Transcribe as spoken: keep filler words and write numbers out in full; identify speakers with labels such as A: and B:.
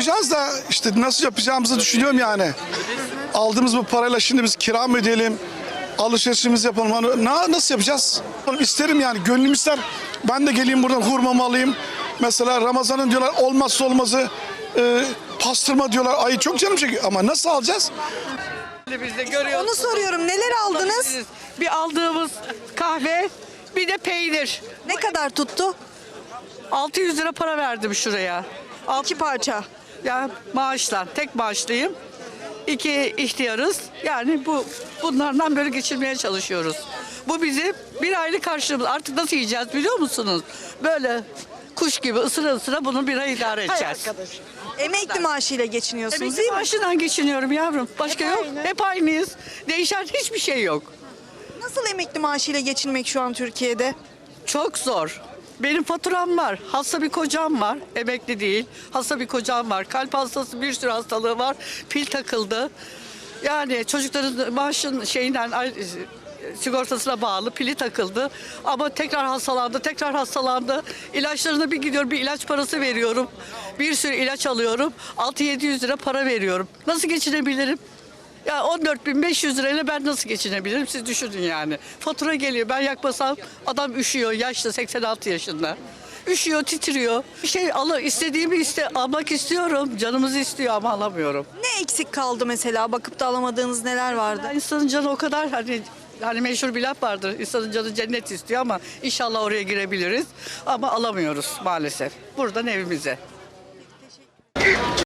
A: yapacağız da işte nasıl yapacağımızı düşünüyorum yani. Aldığımız bu parayla şimdi biz kira mı ödeyelim? Alışverişimizi yapalım. Hani na- nasıl yapacağız? İsterim yani, gönlüm ister. Ben de geleyim buradan hurmamı alayım. Mesela Ramazan'ın diyorlar olmazsa olmazı e, pastırma diyorlar. Ay çok canım çekiyor ama nasıl alacağız?
B: Biz de görüyoruz.
C: Onu soruyorum. Neler aldınız?
B: Bir aldığımız kahve, bir de peynir.
C: Ne kadar tuttu?
B: altı yüz lira para verdim şuraya. Alt,
C: İki parça.
B: ya maaşla, tek maaşlıyım. İki ihtiyarız. Yani bu bunlardan böyle geçirmeye çalışıyoruz. Bu bizim bir aylık karşılığımız. Artık nasıl yiyeceğiz biliyor musunuz? Böyle kuş gibi ısıra ısıra bunu bir ay idare edeceğiz.
C: Emekli maaşıyla geçiniyorsunuz
B: Emekli
C: değil mi?
B: maaşından geçiniyorum yavrum. Başka
C: Hep
B: yok.
C: aynı.
B: Hep aynıyız. Değişen hiçbir şey yok.
C: Nasıl emekli maaşıyla geçinmek şu an Türkiye'de?
B: Çok zor. Benim faturam var. Hasta bir kocam var. Emekli değil. Hasta bir kocam var. Kalp hastası, bir sürü hastalığı var. Pil takıldı. Yani çocukların maaşın şeyinden ay- sigortasına bağlı pili takıldı. Ama tekrar hastalandı, tekrar hastalandı. İlaçlarına bir gidiyorum, bir ilaç parası veriyorum. Bir sürü ilaç alıyorum. altı yedi yüz lira para veriyorum. Nasıl geçinebilirim? Ya on dört bin beş yüz lirayla ben nasıl geçinebilirim? Siz düşünün yani. Fatura geliyor. Ben yakmasam adam üşüyor. Yaşlı, seksen altı yaşında. Üşüyor, titriyor. Bir şey al, istediğimi iste, almak istiyorum. Canımız istiyor ama alamıyorum.
C: Ne eksik kaldı mesela? Bakıp da alamadığınız neler vardı?
B: Ya insanın canı o kadar hani hani meşhur bir laf vardır. İnsanın canı cennet istiyor ama inşallah oraya girebiliriz. Ama alamıyoruz maalesef. Buradan evimize.